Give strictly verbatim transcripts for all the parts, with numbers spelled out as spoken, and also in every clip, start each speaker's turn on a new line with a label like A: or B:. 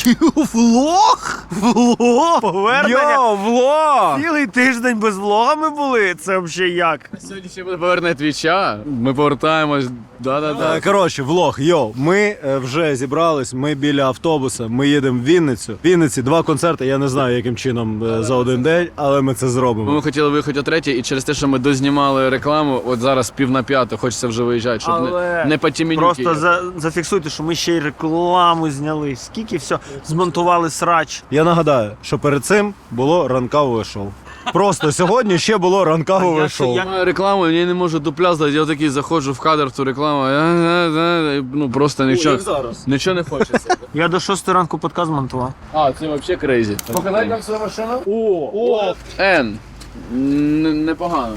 A: Влог? Влог? Повернення?
B: Йо, влог!
A: Цілий тиждень без влога ми були? Це взагалі як?
C: Сьогодні ще буде повернення твіча. Ми повертаємось. Да-да-да.
B: Коротше, влог, йо, ми е, вже зібрались, ми біля автобуса, ми їдемо в Вінницю. В Вінниці два концерти, я не знаю, яким чином е, за один день, але ми це зробимо.
C: Ми хотіли виїхати о третій, і через те, що ми дознімали рекламу, от зараз пів на п'яту, хочеться вже виїжджати, щоб
A: Але
C: не, не по тімінюки.
A: Просто за, зафіксуйте, що ми ще й рекламу зняли. Скільки все змонтували срач.
B: Я нагадаю, що перед цим було ранкове шоу. Просто сьогодні ще було ранкове
A: я
B: шоу.
A: ще-
C: Я маю рекламу, я не можу дупля здати, я такий заходжу в кадр в ту рекламу, я, і, ну просто нічого, нічого не хочеться.
A: Я до шостої ранку подкаст монтував.
C: А, це взагалі крейзі. Показати нам свою машину? О, о, Н. Н- Непогано.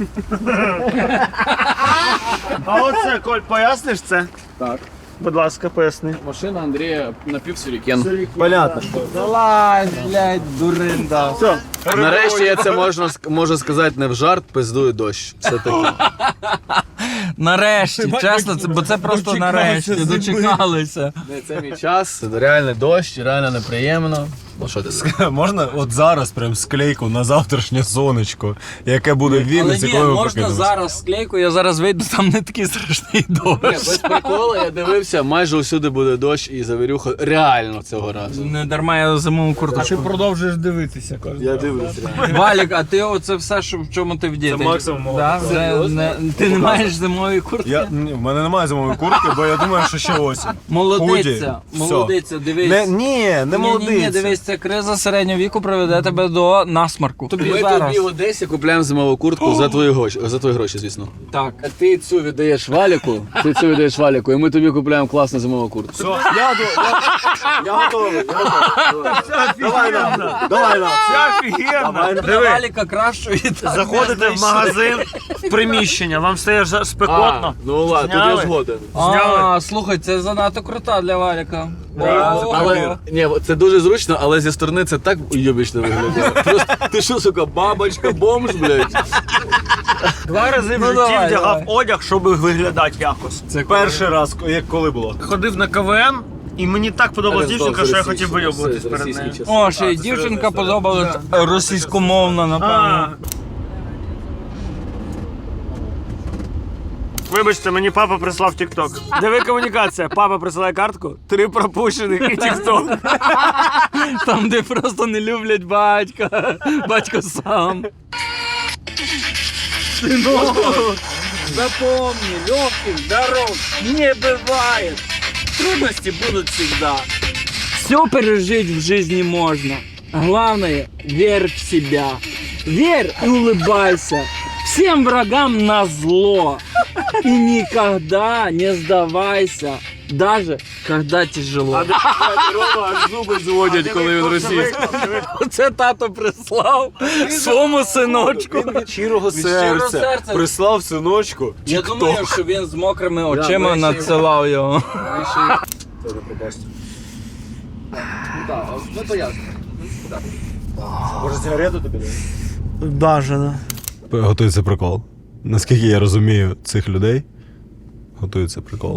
A: А оце, Коль, поясниш це?
C: Так.
A: Будь ласка, поясни.
C: Машина Андрія напівсюрікен.
B: Понятно.
D: Залазь, блядь, дуринда.
A: Все.
C: Нарешті я це можна, ск- можу сказати не в жарт, пиздує дощ. Все таки.
D: Нарешті, чесно, це, бо це просто нарешті, дочекалися.
C: Це мій час, це реально дощ, реально неприємно. Ну що ти скажеш?
B: Можна от зараз прям склейку на завтрашнє сонечко, яке буде в
D: Але
B: Вінниці,
D: ні,
B: коли ми
D: можна
B: прокинемось.
D: зараз склейку, я зараз вийду, там не такий страшний дощ.
C: Без приколу, я дивився, майже усюди буде дощ і завірюха реально цього разу.
D: Не дарма я зимову курточку.
E: Продовжуєш дивитися кожен.
C: Я дивлюся реально.
D: Валік, а ти оце все, що, в чому ти вдіти?
B: Це максимум мого.
D: Да? Це не, ти не маєш зимової куртки?
B: Я, ні, в мене немає зимової куртки, бо я думаю, що ще осінь.
D: Молодиця,
B: Худі.
D: молодиця, дивись.
B: Не, ні, не
D: Ні, ні,
B: молодиця.
D: дивись, ця криза середнього віку приведе тебе до насмарку. Тобі
C: Ми
D: зараз.
C: тобі в Одесі купляємо зимову куртку за твої гроші, за твої гроші, звісно.
D: Так.
C: А ти цю віддаєш Валіку, ти цю віддаєш Валіку, і ми тобі купляємо класну зимову куртку.
B: Все, я, до- я, я готовий. Я готовий. Давай нам, давай нам.
A: Це офігенно.
D: Для Валіка кращої так
A: Заходите
D: не
A: в
D: знайшли.
A: магазин, в приміщення, вам стає за- спекотно.
C: ну ладно, тут
A: Зняли?
C: я згоден.
D: А, слухай, це занадто крута для Валіка. О,
C: Але ні, це дуже зручно, але зі сторони це так уйобічно виглядає. Просто ти що, сука, бабочка, бомж, блядь?
A: Два рази в
D: Ну,
A: житті
D: давай,
A: вдягав
D: давай.
A: одяг, щоб виглядати якось.
B: Це перший раз, як коли було.
A: Ходив на КВН, і мені так подобалась дівчинка, що я хотів вийобуватись перед нею.
D: О, ще й дівчинка подобалась російськомовна, напевно.
A: А. Вибачте, мені папа прислав тік-ток. Диви комунікація. Папа присилає картку, три пропущених і тік-ток.
D: Там, де просто не люблять батька. Батько сам. Запомни, легких дорог не бывает. Трудности будут всегда. Все пережить в жизни можно. Главное, верь в себя. Верь и улыбайся. Всем врагам назло. И никогда не сдавайся. Даже когда тяжело.
C: Рома аж зуби зводять, коли він російський.
D: Це тато прислав своєму синочку.
B: Від щирого
D: серця
B: серця прислав синочку.
D: Я думаю, що він з мокрими очима
C: ми ще-
D: надсилав його.
C: Ну то ясно.
B: Може сигарету тобі?
A: Бажано.
B: Готується прикол. Наскільки я розумію цих людей, готується прикол.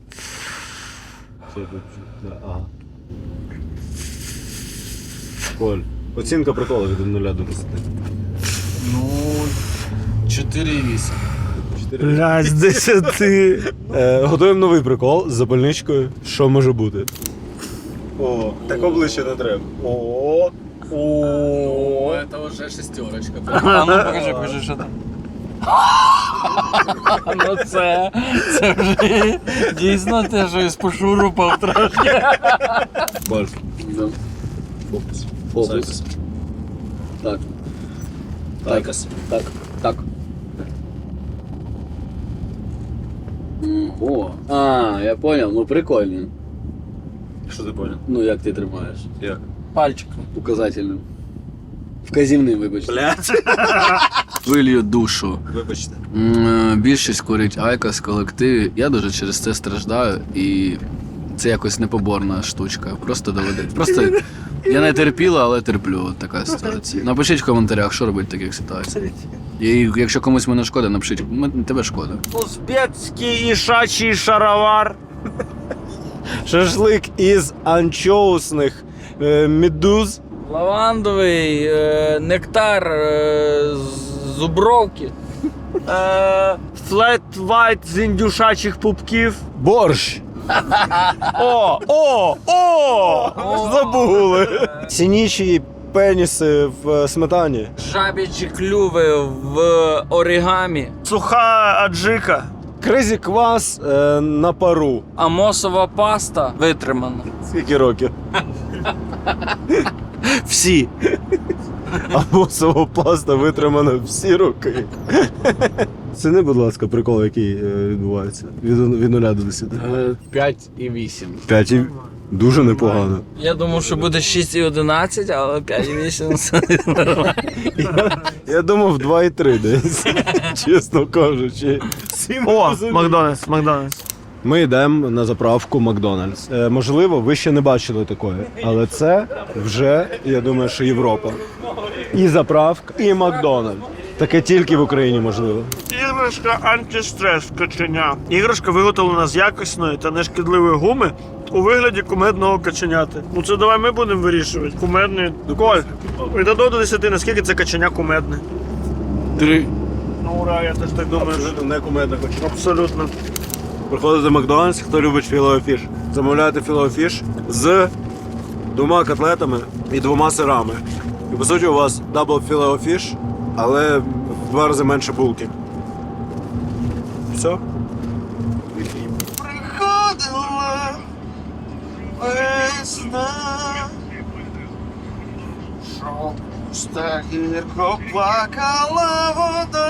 B: Коль, оцінка приколу від нуля до десяти.
C: Ну, чотири вісім.
A: Блядь, з десяти.
B: Е, готуємо новий прикол з запальничкою. Що може бути? О, так обличчя не треба. О,
C: О, це вже шестерочка.
D: А ну покажи, покажи, що там. Ну це, це вже дійсно те, що із пошурупав трошки.
B: Бальф.
C: Фокус. Фокус. Так. Так. Так. Так. М, О, а, я понял, ну прикольно.
B: Що ти поняв?
C: Ну як ти тримаєш?
B: Як?
D: Пальчиком.
C: Указательним. Вказівним, вибачте.
B: Блядь.
C: Вилью душу.
B: Вибачте.
C: М, е, Більшість курить айкос в колективі. Я дуже через це страждаю і це якось непоборна штучка. Просто доведеться. Просто я не терпіла, але терплю. От така ситуація. Напишіть в коментарях, що робити в таких ситуаціях. І якщо комусь мене шкода, напишіть, «М- тебе шкода.
A: Узбецький ішачий шаровар.
B: Шашлик із анчоусних е, медуз.
D: Лавандовий е, нектар е, з зубровки.
A: Е, Флет вайт з індюшачих пупків.
B: Борщ.
A: О, о, о!
B: Забули. Синічі пеніси в сметані.
D: Жабічі клюви в оригамі.
A: Суха аджика.
B: Кризі квас е, на пару.
D: Амосова паста витримана.
B: Скільки років?
A: Всі.
B: Амосова паста витримана всі роки. Ціни, будь ласка, прикол, який е, відбувається. Від, від нуля до десяти.
C: п'ять і вісім.
B: П'ять і дуже непогано.
D: Я думав, що буде шість і одинадцять, але п'ять і вісім це нормально.
B: Я думав два і три десь, чесно кажучи.
A: О, Макдональдс, Макдональдс.
B: Ми йдемо на заправку Макдональдс. Е, можливо, ви ще не бачили такої, але це вже, я думаю, що Європа. І заправка, і Макдональдс. Таке тільки в Україні можливо.
A: Іграшка антистрес каченя. Іграшка виготовлена з якісної та нешкідливої гуми у вигляді кумедного каченяти. Ну це давай ми будемо вирішувати. Кумедний. Коль, від одного до десяти, наскільки це каченя кумедне?
C: Три.
A: Ну ура, я теж так думаю. що-
B: Не кумедно хочу.
A: Абсолютно.
B: Приходите в Макдональдс, хто любить філеофіш. Замовляєте філеофіш з двома котлетами і двома сирами. І по суті у вас дабл філеофіш, але в два рази менше булки. Все?
A: Приходила весна, жовта гірко плакала вода,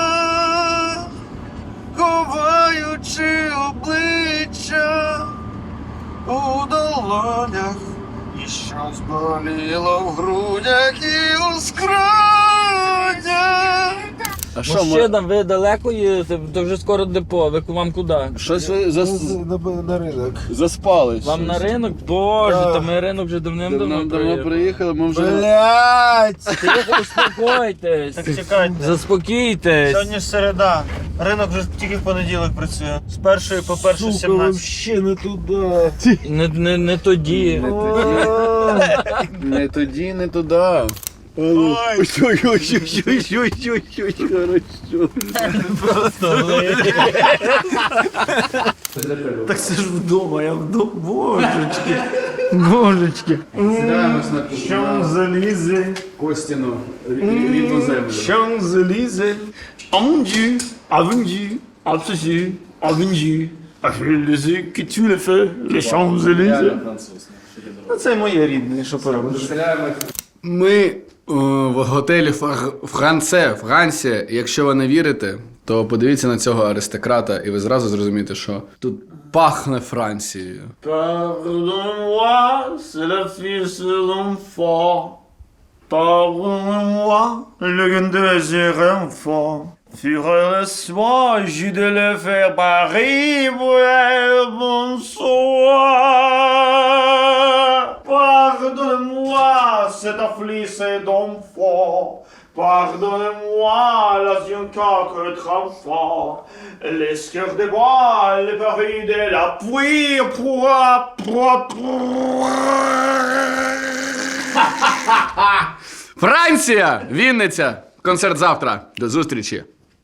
A: ховаючи обличчя у долонях, і щось боліло в грудях і у скронях.
C: А що ми?
D: Мужчина, ви далеко їдете? То вже скоро депо. Ви вам куди?
C: Щось ви зас...
E: На ринок.
C: заспали.
D: Вам
C: щось.
D: на ринок? Боже, та ми ринок вже давним-давно
C: Давно давно
D: приїхали.
C: приїхали, ми вже...
E: Блять!
D: Тихо, успокойтесь.
A: Так чекайте.
D: Заспокійтесь.
A: Сьогодні ж середа. Ринок вже тільки в понеділок працює. З першої по першу
E: Сука,
A: сімнадцять.
E: вообще не туди.
D: Не, не, не тоді.
C: Не тоді, не туди.
A: Ой,
B: Ой-ой-ой-ой-ой-ой-ой, хорошо.
A: так це ж вдома, я вдома. Божечки. Божечки.
C: Сідаємось на
A: Champs-Élysées.
C: Костіну, рідну землю.
A: Champs-Élysées. Avendu. Avendu. Absolu. Avendu. Avendu. Que tu le fais. Les Champs-Élysées. Ну, це моє рідне, що поробиш.
C: Ми е, в готелі Фар- Франце, Франція. Якщо ви не вірите, то подивіться на цього аристократа, і ви зразу зрозумієте, що тут пахне Францією.
A: Pardonne-moi, c'est la fille de l'enfant. Pardonne-moi, le désir enfant. Fuir le soir, j'ai de le faire Paris, ouais, bonsoir. Pardonne-moi, cette affligée d'enfant. Pardonnez-moi, la zionka que enfant. Les cœurs de bois, les paris de la pluie, pour, pour, pour.
C: Франція! Вінниця! Концерт завтра. До зустрічі!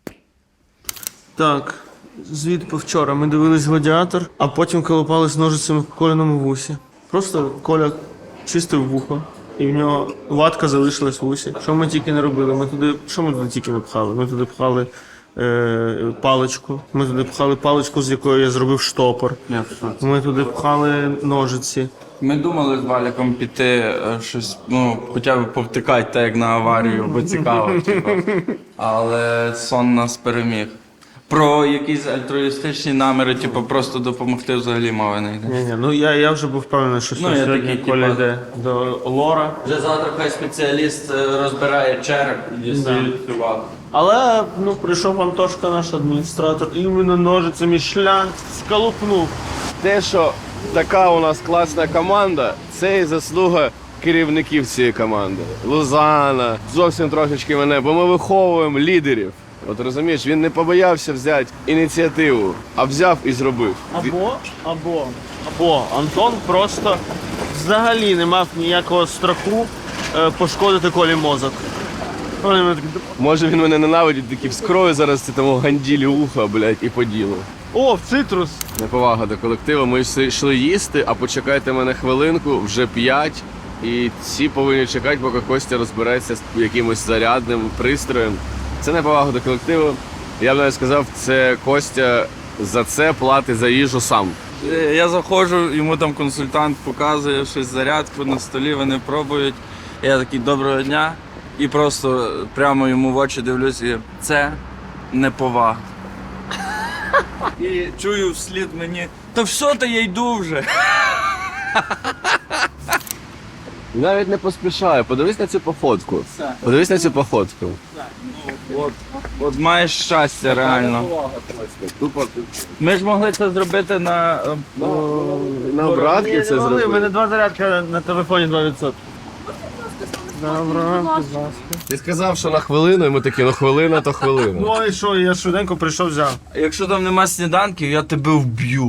A: Так, звіт по вчора. Ми дивились «Гладіатор», а потім колупались ножицями в Коліному вусі. Просто Коля чистив вухо, і в нього ватка залишилась в вусі. Що ми тільки не робили? Ми туди, що ми туди тільки не пхали? Ми туди пхали е, паличку. Ми туди пхали паличку, з якої я зробив штопор. Ми туди пхали ножиці.
D: Ми думали з Валіком піти е, щось, ну, хоча б повтикати так, як на аварію, бо цікаво, типу. Але сон нас переміг. Про якісь альтруїстичні наміри, типу, просто допомогти взагалі мови не йде.
A: Ні, ні, ну я, я вже був впевнений, що
D: Ну, я
A: сьогодні
D: такий,
A: Коля
D: типа-
A: йде до Лора.
D: Вже завтра хай спеціаліст е, розбирає череп і дістає цю вату.
A: Але ну прийшов Антошка, наш адміністратор, і іменно ножицями шлянг скалупнув.
F: Те, що така у нас класна команда, це і заслуга керівників цієї команди. Лузана, зовсім трошечки мене, бо ми виховуємо лідерів. От розумієш, він не побоявся взяти ініціативу, а взяв і зробив.
A: Або, або, або Антон просто взагалі не мав ніякого страху е, пошкодити Колі мозок. Коли ми такі,
F: Може він мене ненавидить, такий вскрою зараз це тому ганділі уха, блядь, і по ділу.
A: о, цитрус!
F: Неповага до колективу. Ми всі йшли їсти, а почекайте мене хвилинку, вже п'ять. І всі повинні чекати, поки Костя розбереться з якимось зарядним пристроєм. Це неповага до колективу. Я б навіть сказав, це Костя за це платить за їжу сам.
D: Е, Я заходжу, йому там консультант показує щось зарядку на столі, вони пробують. Я такий доброго дня. І просто прямо йому в очі дивлюсь, і це неповага. І чую вслід мені, та все, та я йду вже.
F: Навіть не поспішаю. Подивись на цю походку. Подивись на цю походку.
D: От, от маєш щастя реально.
F: Тупо
D: Ми ж могли це зробити на... е,
F: на обратки це
A: У мене
F: зробив.
A: два зарядка на телефоні два відсотки. Добре, будь ласка.
F: Ти сказав, що на хвилину, і ми такі, ну хвилина, то хвилина.
A: Ну і що, я швиденько прийшов, взяв.
D: Якщо там нема сніданків, я тебе вб'ю.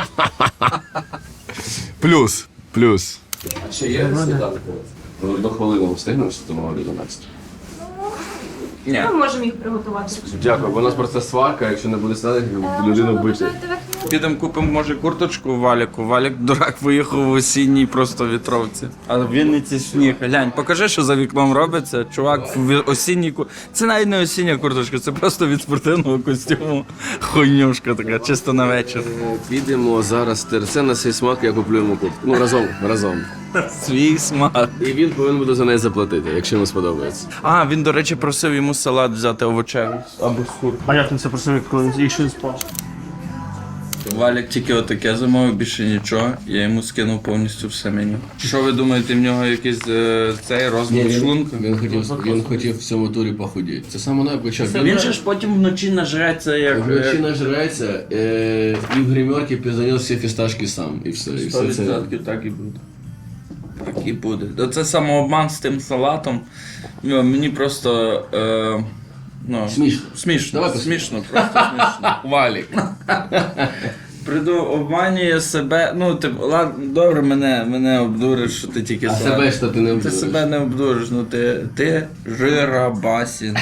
F: Плюс, плюс. А ще є сніданки? До хвилини встигнеш, що тому одинадцять.
D: Ні.
G: Ми можемо їх приготувати.
F: Дякую, бо у нас просто сварка, якщо не буде сніданків, людину вбити.
D: Підемо купимо, може, курточку Валіку. Валік, дурак, виїхав в осінній просто вітровці. А в Вінниці сніг. Глянь, покажи, що за вікном робиться. Чувак в осінній ку... Це навіть не осіння курточка, це просто від спортивного костюму. Хуйнюшка така, чисто на вечір.
F: Підемо зараз терце на свій смак, я куплю йому куртку. Ну, разом, разом.
D: Свій смак.
F: І він повинен буде за неї заплатити, якщо йому сподобається.
D: А, він, до речі, просив йому салат взяти овочевий. Або з курки.
A: А як він це просив, коли він ще не спав?
D: Валік тільки отаке замовив, більше нічого. Я йому скинув повністю все меню. Що ви думаєте, в нього якийсь е, цей розбір шлунка?
F: Він хотів, він хотів в цьому турі похудіти. Це саме не почав.
D: Він же ж потім вночі нажреться, як...
F: Вночі нажирається, е, і в гримерці пізанів всі фісташки сам. І все. І
D: Сто
F: все це.
D: відсотків так і буде. Так і буде. Та це самообман з тим салатом. Ну, мені просто. Е, ну,
F: Смішно.
D: Смішно.
F: Давай
D: смішно, просто смішно.
F: Валік.
D: Приду, обманює себе. Ну, типу, ладно, добре, мене, мене обдуриш, що ти тільки
F: А
D: салат.
F: себе що ти не
D: Ти
F: обдуриш?
D: себе не обдуриш, ну ти, ти жирабасін.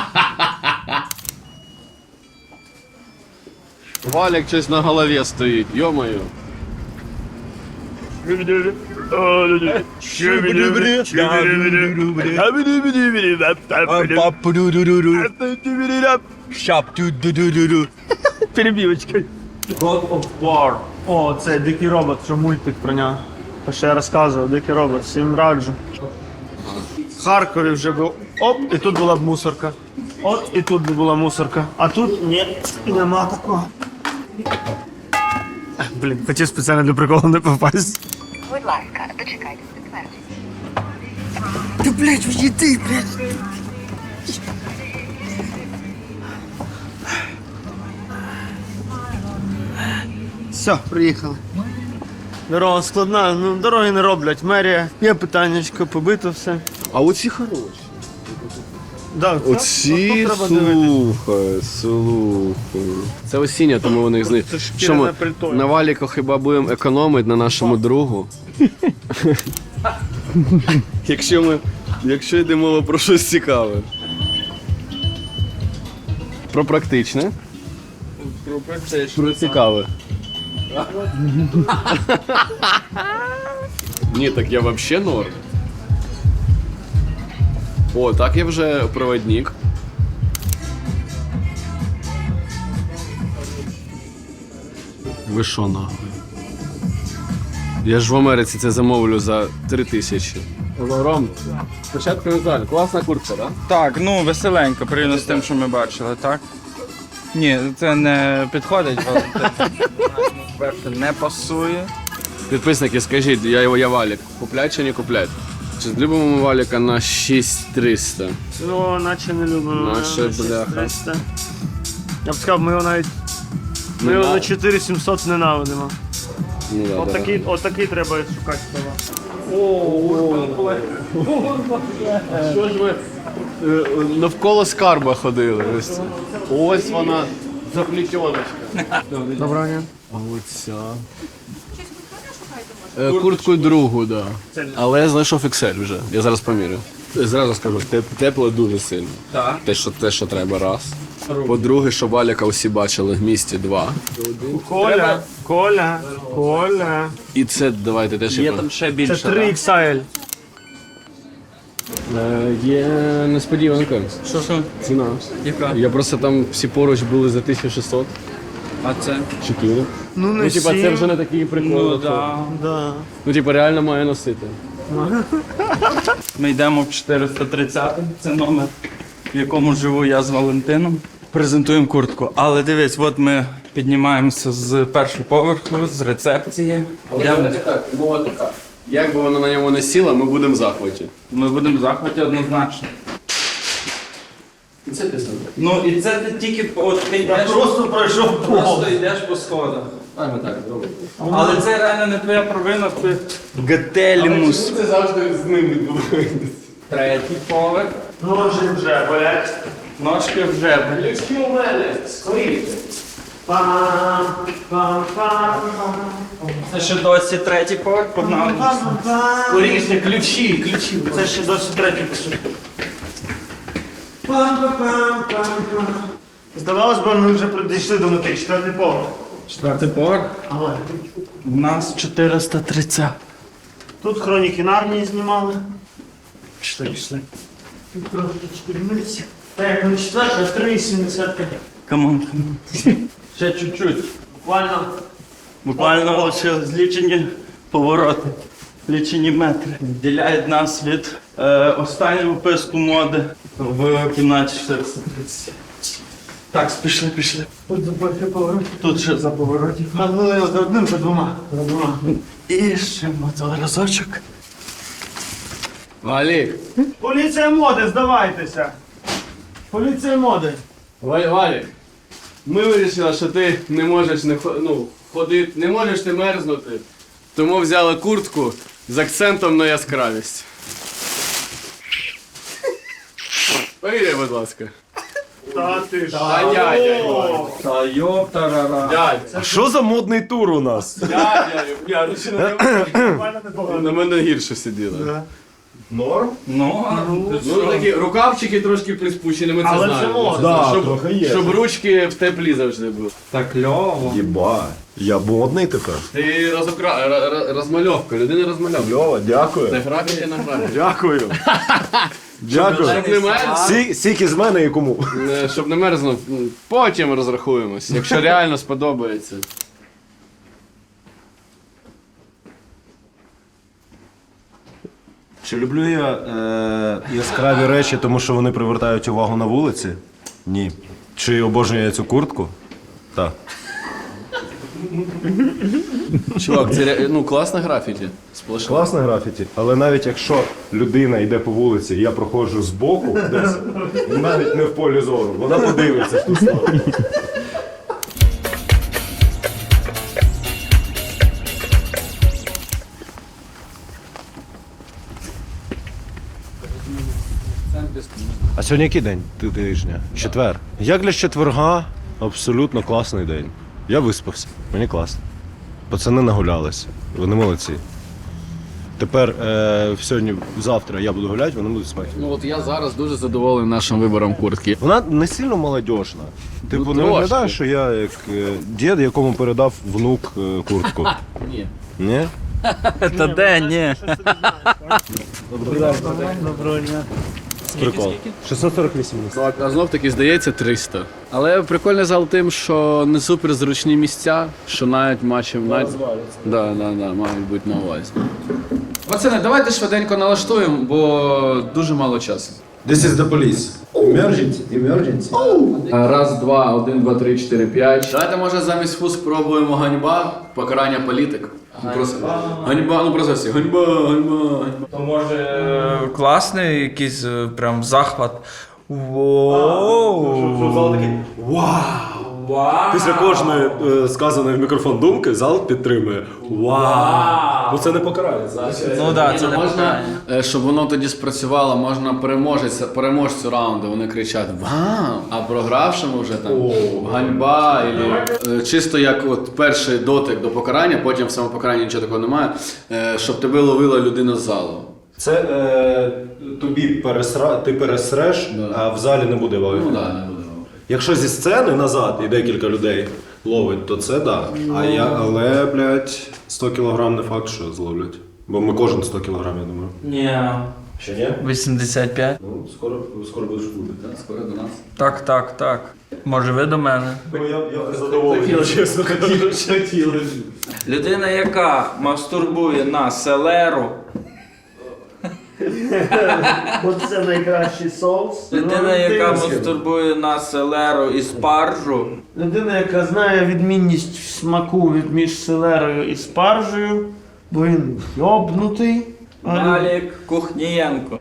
F: Валік щось на голові стоїть, йо-моє.
A: Перебівочка. God of War. О, це Дикий робот, що мультик про нього. То що я розказував, Дикий робот, всім раджу. В Харкові вже був оп, і тут була б мусорка. От і тут би була мусорка. А тут ні, нема такого. Блін, хотів спеціально для приколу не попасть.
G: Будь ласка, дочекайтесь підтвердження.
A: Ти, блядь, уїди, блядь. Все, приїхали. Дорога складна, ну дороги не роблять. Мерія, є питаннячко, побито все.
F: А оці хороші.
A: Да, це-
F: Оці,
A: тут треба дивитись.
F: слухай, слухай. Це осіння, тому вони їх знають.
A: Це
F: Що
A: шкіряне
F: ми
A: пальто.
F: на валіку хіба будемо економити на нашому другу? Якщо ми, якщо йде мова про щось цікаве. Про практичне, про цікаве. Ні, так я взагалі норм. О, так я вже проводник. Ви що нахуй? Я ж в Америці це замовлю за три тисячі. Ром, спочатку Віталій, класна куртка, так?
D: Так, ну веселенько, порівняно з тим, що ми бачили, так? Ні, це не підходить, Валентин. Перше, не пасує.
F: Підписники, скажіть, я, я валік. Куплять чи не куплять? Чи любимо ми валіка на шість триста?
A: Ну, наче не любимо.
F: Наче,
A: на
F: бляха.
A: шість триста. Я б сказав, ми його навіть. Ми
F: Не
A: його
F: на-
A: на чотири сімсот ненавидимо.
F: Ну, да, да.
A: Отакий, отакий треба шукати слова. О,
F: Що ж ви е, навколо скарба ходили? Ось, ось вона, заплітьоночка. Доброго дня. А оця. Е, Куртку другу, так. Да. Але я знайшов ікс ель вже. Я зараз помірю. Зразу скажу, теп- тепло дуже сильно.
D: Так.
F: Те, що, те, що треба, раз. По-друге, щоб Валіка усі бачили в місті, два.
A: Коля, Коля, Коля.
F: І це давайте теж
D: Є
F: я
D: там ще
A: Це
D: більше.
A: три
D: так?
A: ікс ель.
F: Е, Є несподіванка.
D: Що що?
F: Ціна.
D: Яка?
F: Я просто там всі поруч були за тисячу шістсот.
D: А це?
F: чотири.
A: Ну не
F: Ну, типа, це
A: сім.
F: вже не такий прикол.
D: Ну
F: що-
D: да.
A: Да.
F: Ну, типа, реально має носити.
D: Ми йдемо в чотириста тридцятий, це номер, в якому живу я з Валентином. Презентуємо куртку. Але дивись, от ми піднімаємося з першого поверху, з рецепції. Йдемо.
F: Так, мова така. Як би вона на ньому не сіла, ми будемо в захваті.
D: Ми будемо в захваті однозначно.
F: Це ти сам.
D: Ну і це ти тільки от ти
A: Я
D: йдеш,
A: просто пройшов пол.
D: просто йдеш по сходах.
F: А, ми так зробимо.
D: Але це реально не твоя провина, ти гетелімус.
F: Це завжди з ним відбувається.
D: Третій поверх.
A: Ножі вже болять.
D: Ножки вже.
F: Ключки у мене, скоріше.
A: Пам, пам, пам,
D: Це ще досі третій поверх, погнали.
A: пам, пам.
F: Скоріше, ключі, ключі.
A: Це ще досі третій пішов. Пам-пам-пам-пам-пам. Здавалось би, ми вже дійшли до мети, четвертий поверх.
D: Четвертий поверх.
A: Але
D: У нас чотириста тридцять.
A: тут хроніки Нарнії знімали.
D: Пішли, пішли.
A: Тут трошечки вниз. Так, не четвертий, а три сімдесят п'ять.
D: Камон, камон. Ще чуть-чуть.
A: Буквально.
D: Буквально лише злічені повороти, лічені метри. Відділяють нас від е, останнього випуску моди в кімнаті чотириста тридцять. Так, пішли, пішли.
A: Тут за перший поверх.
D: Тут ще за поворотів.
A: А ну за одним, за двома. За двома.
D: І ще мотор разочок.
F: Валік,
A: Поліція моди, здавайтеся. Поліція моди.
F: Валь, Валік, ми вирішили, що ти не можеш не хо- ну, ходити, не можеш не мерзнути. Тому взяли куртку з акцентом на яскравість. Повіряй, будь ласка.
A: Та ти ж.
F: Та дядя,
A: О,
D: Та йоптарара.
F: дядя,
B: А що за модний тур у нас?
F: дядя, я
A: буквально непогано.
F: на мене гірше сиділа.
B: Норм?
D: Ну, а
F: Ну такі рукавчики трошки приспущені, ми це
A: Але це
F: знаємо.
A: можна.
B: Да,
F: щоб,
B: трохи є.
F: щоб ручки в теплі завжди були.
D: так кльово.
B: Єба. Я модний тепер.
F: Ти розокра... р- р- розмальовка, людина розмальовка.
B: Льова,
F: Це
B: дякую.
F: графіті на графіті.
B: Дякую. Дякую.
F: Щоб не мерз,
B: Сі- Сіки з мене і кому?
F: е, щоб не мерзнув, м, потім розрахуємось, якщо реально сподобається.
B: Чи люблю я е, яскраві речі, тому що вони привертають увагу на вулиці? Ні. Чи обожнюю я цю куртку? Так.
F: Чувак, це ре- ну, класне графіті. Сплошне.
B: Класне графіті, але навіть якщо людина йде по вулиці, і я проходжу збоку, десь, навіть не в полі зору, вона подивиться в ту сторону. А сьогодні який день тижня? Четвер. Як для четверга, абсолютно класний день. Я виспався, мені класно. Пацани нагулялися, вони молодці. Тепер е, сьогодні, завтра я буду гуляти, вони будуть спати.
F: Ну от я зараз дуже задоволений нашим вибором куртки.
B: Вона не сильно молодіжна. Типу,
F: Ну,
B: не
F: трошки.
B: виглядає, що я як е, дід, якому передав внук е, куртку.
F: Ні.
B: Ні?
D: Та де, ні.
A: Доброго дня.
B: Прикол. шістсот сорок вісім.
F: А знов таки здається триста. Але прикольний зал тим, що не супер зручні місця, що навіть матчів навіть... Да, да, да, мають бути на увазі. Пацани, давайте швиденько налаштуємо, бо дуже мало часу.
B: This is the police. Emergency, emergency.
F: Раз, два, один, два, три, чотири, п'ять. Давайте, може, замість фу спробуємо ганьба, покарання політик. Ну, просто ганьба, ну просто всі. Ганьба, ганьба, ганьба.
D: То може е, класний якийсь е, прям захват. Воу!
B: Вау!
D: Вау!
B: Після кожної е, сказаної в мікрофон думки зал підтримує. Вау! Ну це не покарання.
D: Ну так, це не
C: можна,
D: покарання.
C: е, щоб воно тоді спрацювало, можна переможця, переможцю раунду, вони кричать «Вау!», а програвшому вже там ганьба, і, е, чисто як от перший дотик до покарання, потім в самопокаранні нічого такого немає, е, щоб тебе ловила людина з залу.
B: Це е, тобі пересра... ти пересреш,
C: Да.
B: а в залі не буде вайфу.
C: Ну так, не буде.
B: Якщо зі сцени назад і декілька людей ловить, то це да. А я, але, блядь, сто кілограм не факт, що зловлять. Бо ми кожен сто кілограм, я думаю.
D: Ні.
B: Ще ні?
D: вісімдесят п'ять.
B: Ну, скоро, скоро будеш бути.
C: Так, скоро до нас.
D: Так, так, так. Може ви до мене?
B: Ну, я, я задоволений, чесно.
D: Людина, яка мастурбує на селеру.
A: Оце найкращий соус.
D: Людина, яка мастурбує на селеру і спаржу.
A: Людина, яка знає відмінність смаку від між селерою і спаржею, бо він йобнутий.
D: Алік Кухнієнко.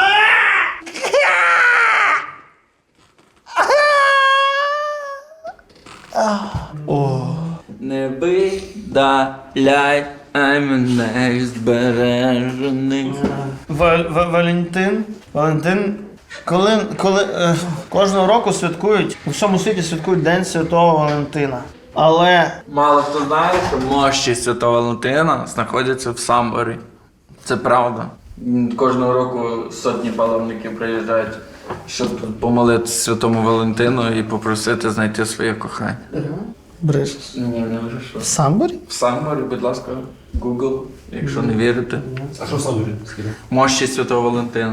D: Не видаляй, а мене збережений.
A: Ва- Ва- Валентин. Валентин. Коли, коли е, кожного року святкують, у всьому світі святкують День Святого Валентина. Але
D: Мало хто знає, що мощі Святого Валентина знаходяться в Самборі. Це правда. М, Кожного року сотні паломників приїжджають, щоб помолитися Святому Валентину і попросити знайти своє кохання.
A: брешеш.
D: Ні, не вирішив.
A: В Самборі?
D: В Самборі, будь ласка, Google, якщо не вірите.
B: А що сам говорить?
D: Мощі Святого Валентина.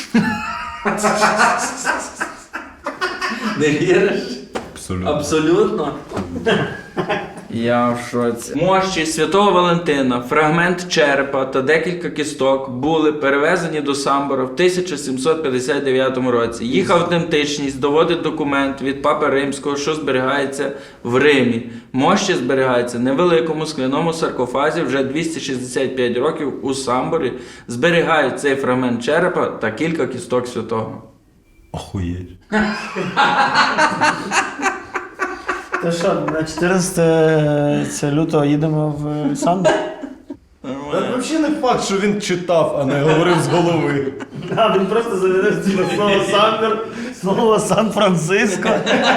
D: Не віриш?
B: Абсолютно.
D: Абсолютно. Я в шоці. Мощі Святого Валентина, фрагмент черепа та декілька кісток були перевезені до Самбора в тисяча сімсот п'ятдесят дев'ятому році. Їх автентичність доводить документ від Папи Римського, що зберігається в Римі. Мощі зберігаються в невеликому скляному саркофазі вже двісті шістдесят п'ять років у Самборі. Зберігають цей фрагмент черепа та кілька кісток святого.
B: Охуєть.
A: Та що, на чотирнадцяте лютого їдемо в Самбор?
B: Та взагалі не факт, що він читав, а не говорив з голови.
A: А, він просто заведеш слово Самбор, слово Сан-Франциско.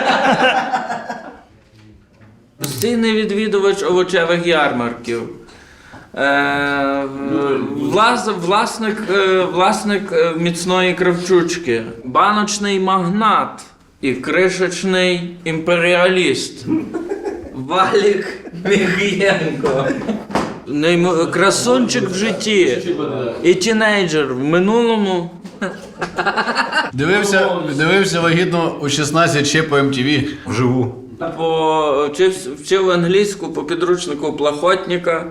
D: Постійний відвідувач овочевих ярмарків. Е, влас, власник, е, власник е, міцної кравчучки. Баночний магнат і кришечний імперіаліст. Валік Міхієнко. Неймо- Красунчик в житті. І тінейджер в минулому.
C: Дивився, дивився вагітно у шістнадцять ще по ем ті ві.
B: Вживу.
D: По, вчив, вчив англійську по підручнику Плахотніка.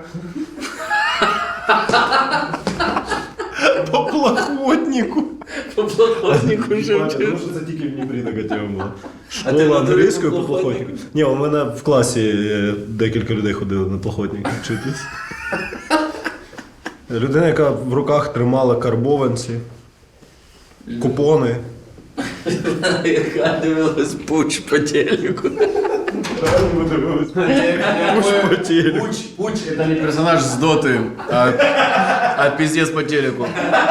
B: По плахотнику.
D: По Плахотніку вже вчив.
B: що це тільки в Дніпрі така тема була. Школа англійською по плахотнику. Ні, у мене в класі е, декілька людей ходили на плахотник вчитись. Людина, яка в руках тримала карбованці, купони.
D: Яка дивилась пуч по телеку.
B: По телеку.
C: Пуч – це не персонаж з доти, а, а піздець по телеку.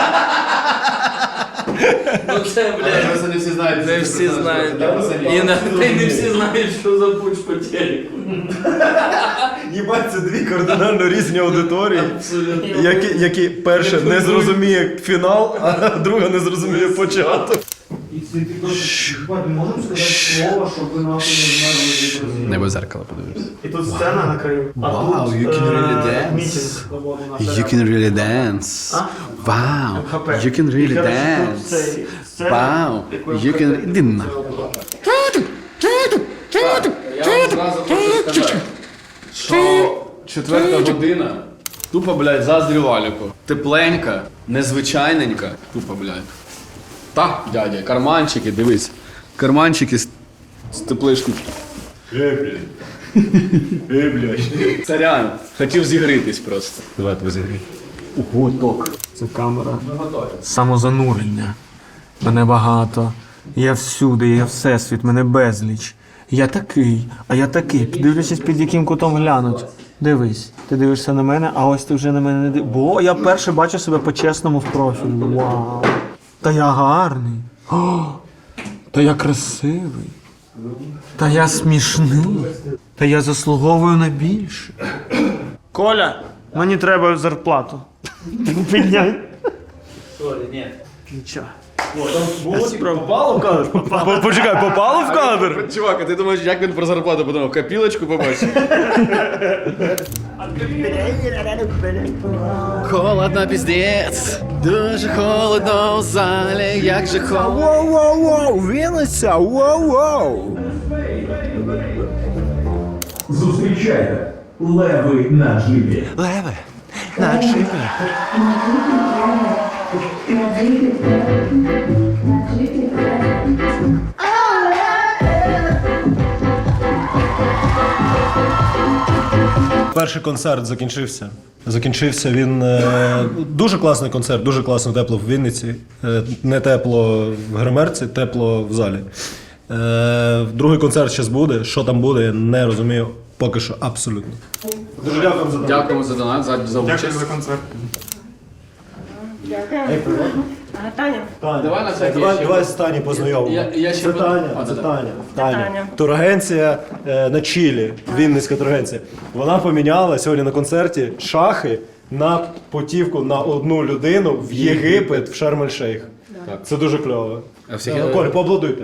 D: Ну це, блядь,
C: Просто не всі знають.
D: не всі знають. І на те не всі знають, що за пуч по телеку.
B: Їбать, це дві кардинально різні аудиторії,
D: Абсолютно.
B: які, які перше не зрозуміє фінал, а друга не зрозуміє початок.
A: Можемо сказати слово, щоб ви нахуй не знали.
C: Не без зеркала подивишся.
A: І тут сцена на краю. А
C: Wow,
A: тут,
C: you can
A: е,
C: really dance.
A: мітинг.
C: You can really dance. Wow, you can really dance. Wow, you can... Іди нахуй. Я вам зразу хочу сказати, що четверта година тупо, блядь, заздрю Валіку. Тепленька, незвичайненька. Тупо, блядь. Так, дядя, карманчики, дивись. Карманчики з, з теплишкою.
B: Ей, блядь. Ей, блядь.
C: Царян, хотів зігрітись просто.
B: Давай тебе зігрій.
A: Ого, ток. Це камера. Самозанурення. Мене багато. Я всюди, я всесвіт, мене безліч. Я такий, а я такий. Дивлячись, під яким кутом глянуть. Дивись, ти дивишся на мене, а ось ти вже на мене не дивишся. Бо я перше бачу себе по-чесному в профілі. Вау. Та я гарний. О, та я красивий. Та я смішний. Та я заслуговую на більше. Коля, мені треба зарплату. Підняй. Сорі, ні. Нічого. Попало в кадр?
B: Почекай, попало в кадр?
C: Чувак, а ти думаєш, як він про зарплату подумав? Копілочку побачив? Холодно, піздець. Дуже холодно в залі, як же холодно.
B: Воу-воу-воу, Вінниця, воу-воу.
H: Зустрічайте леви на джипі.
B: Леви, на джипі.
E: Перший концерт закінчився. Закінчився він е, дуже класний концерт, дуже класно тепло в Вінниці. Е, не тепло в гримерці, тепло в залі. Е, другий концерт зараз буде. Що там буде, я не розумію. Поки що абсолютно. Дуже дякую за
C: Дякуємо за донат, за, за участь.
A: концерт.
G: Таня.
C: Давай на всякий
E: Давай,
C: ще.
E: давай з Тані познайомимо.
C: Я- я ще
E: це
C: буду-
E: Таня,
C: А,
E: це
C: да,
E: Таня. Таня. Турагенція е, на Чилі, Вінницька турагенція. Вона поміняла сьогодні на концерті шахи на путівку на одну людину в Єгипет, в Шарм-ель-Шейх. Це дуже кльово.
C: А всіх-
E: Е, Коль, поаплодуйте.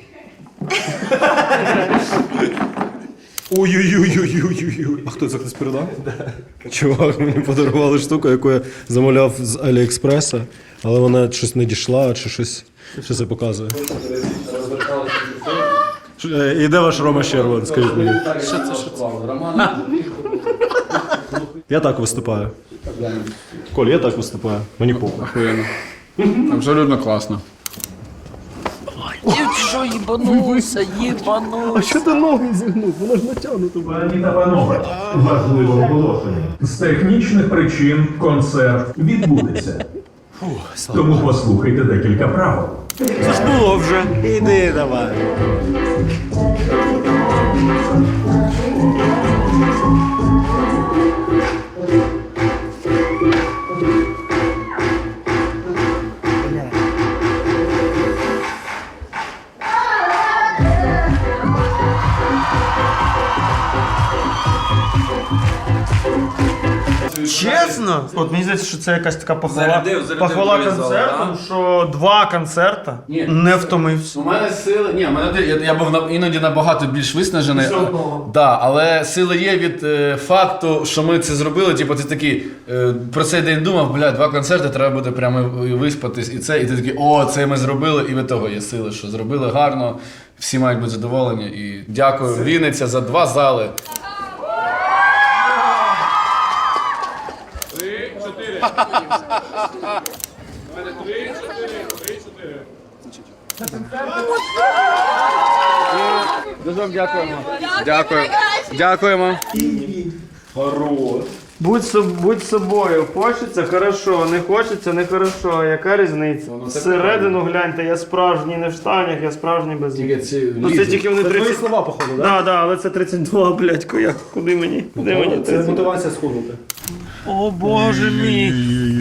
E: Ой-ой-ой-ой-ой-ой. А хто це хтось передав? Чувак, мені подарували штуку, яку я замовляв з Аліекспреса, але вона щось не дійшла, чи щось, що це показує. Ш- е, І де ваш Рома Щербан, скажіть мені?
C: Що це, що це? Роман?
E: Я так виступаю. Коль, я так виступаю. Мені похуй.
C: Охуєнно. Абсолютно класно.
D: Що їбанувся, їбанувся.
E: А що ти ноги зігнув? Вона ж натягнута.
H: Пані та панове, важливе оголошення. З технічних причин концерт відбудеться. Тому послухайте декілька правил.
B: Це ж було вже. Іди давай.
A: Чесно? От мені здається, що це якась така похвала,
C: Зарядив, зарядив
A: похвала
C: твої зали,
A: концертом, що два концерта
C: Ні.
A: не втомився.
C: У мене сили. Ні, у мене я, я був на- іноді набагато більш виснажений. Да, але сили є від е, факту, що ми це зробили. Типу, ти такий е, про цей день думав, бля, два концерти, треба буде прямо виспатись і це. І ти такий, о, це ми зробили, і від того є сили, що зробили гарно. Всі мають бути задоволені. І дякую, Вінниця, за два зали. Дуже вам дякуємо. Дякую. Дякуємо.
A: Будь, соб- будь собою, хочеться хорошо, не хочеться не хорошо. Яка різниця? Всередину гляньте, я справжній не в штанях, я справжній без них. Ну це тільки вони тридцять.
E: слова, походу, так?
A: Да, да, але це тридцять два, блядь, як? Куди мені? Куди мені?
E: Це
A: тридцять?
E: мотивація схуднути.
A: О боже мій.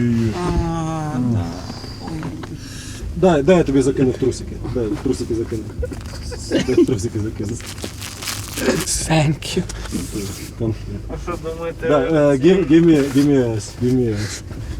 E: Дай, дай я тобі закину в трусики. Дай, трусики закину. Дай трусики закину.
D: Thank you.
E: Там.
A: А що думаєте?
E: Да, uh, give, give me, give me ass, give me ass.